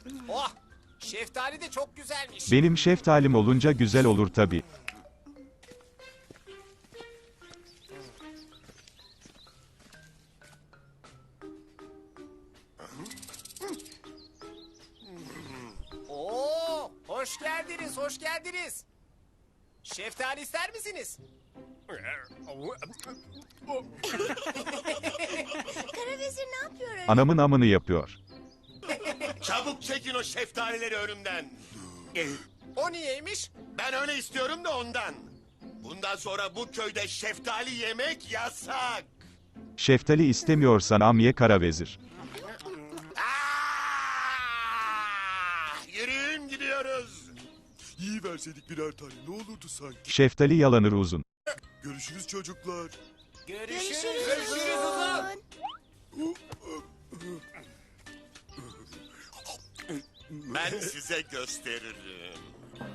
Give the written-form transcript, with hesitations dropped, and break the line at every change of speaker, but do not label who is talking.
Oh, şeftali de çok güzelmiş.
Benim şeftalim olunca güzel olur tabii.
Oo, hoş geldiniz, hoş geldiniz. Şeftali ister misiniz?
Karavezir ne yapıyor öyle?
Anamın amını yapıyor.
Çabuk çekin o şeftalileri önümden.
O niyeymiş?
Ben öyle istiyorum da ondan. Bundan sonra bu köyde şeftali yemek yasak.
Şeftali istemiyorsan am ye karavezir.
Yürüyün gidiyoruz.
İyi verseydik birer tane ne olurdu sanki.
Şeftali yalanır uzun.
Görüşürüz çocuklar.
Görüşürüz.
Görüşürüz.
Ben size gösteririm.